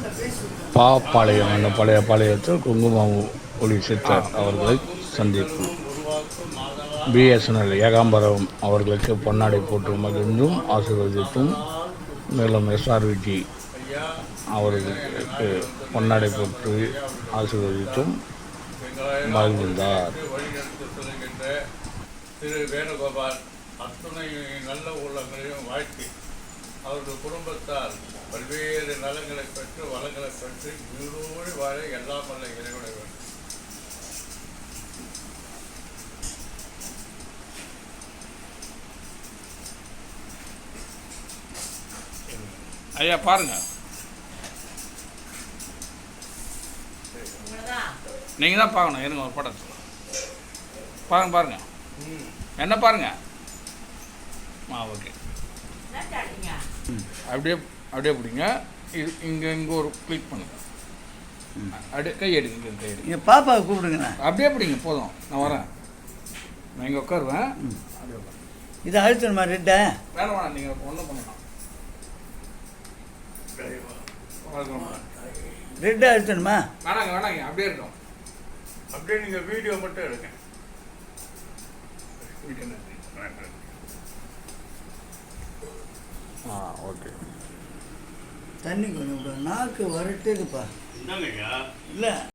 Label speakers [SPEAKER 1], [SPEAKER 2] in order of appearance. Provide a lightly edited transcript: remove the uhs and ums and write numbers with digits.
[SPEAKER 1] பாப்பாளையம் என்ற பழைய பாளையத்தில் குங்குமம் ஒளி சித்தர் அவர்களை சந்திப்பு. பிஎஸ்என்எல் ஏகாம்பரம் அவர்களுக்கு பொன்னாடை போட்டு மகிழ்ந்தும் ஆசீர்வதித்தும், மேலும் எஸ்ஆர்விஜி அவர்களுக்கு பொன்னாடை போட்டு ஆசீர்வதித்தும் மகிழ்ந்தார்.
[SPEAKER 2] திரு வேணுகோபால் அத்துணை நல்ல உள்ளங்களையும் வாழ்த்தி அவர்கள் குடும்பத்தால் பல்வேறு நலங்களை பெற்று வளங்களை பெற்று நீடோடி வாழ எல்லாம் வல்ல இறைவனை வேண்டும்.
[SPEAKER 3] ஐயா பாருங்க, நீங்கள் தான் பார்க்கணும். எனக்கு ஒரு படம் பாருங்க பாருங்க, என்ன பாருங்க. ஓகே, அப்படியே அப்படியே பிடிங்க. இது இங்கே ஒரு கிளிக் பண்ணுங்க. அப்படியே கை எடுங்க, கை எடுங்க.
[SPEAKER 4] இங்கே பாப்பாவை கூப்பிடுங்கண்ணா.
[SPEAKER 3] அப்படியே பிடிங்க, போதும். நான் வரேன், நான் இங்கே உட்காருவேன். அப்படியே உட்காரு.
[SPEAKER 4] இதை அழுத்தணுமா? ரெட்டை
[SPEAKER 3] வேணாம் வேணாம், நீங்கள் ஒன்றும் பண்ணலாம்.
[SPEAKER 4] ரெட்டை அழுத்தணுமா?
[SPEAKER 3] வேணாங்க வேணாங்க, அப்படியே இருக்கும்.
[SPEAKER 2] அப்படியே நீங்கள் வீடியோ மட்டும் எடுங்க.
[SPEAKER 1] ஓகே.
[SPEAKER 4] தண்ணி கொஞ்சம் நாக்கு வரட்டுதுப்பா.
[SPEAKER 2] என்னங்கய்யா?
[SPEAKER 4] இல்லை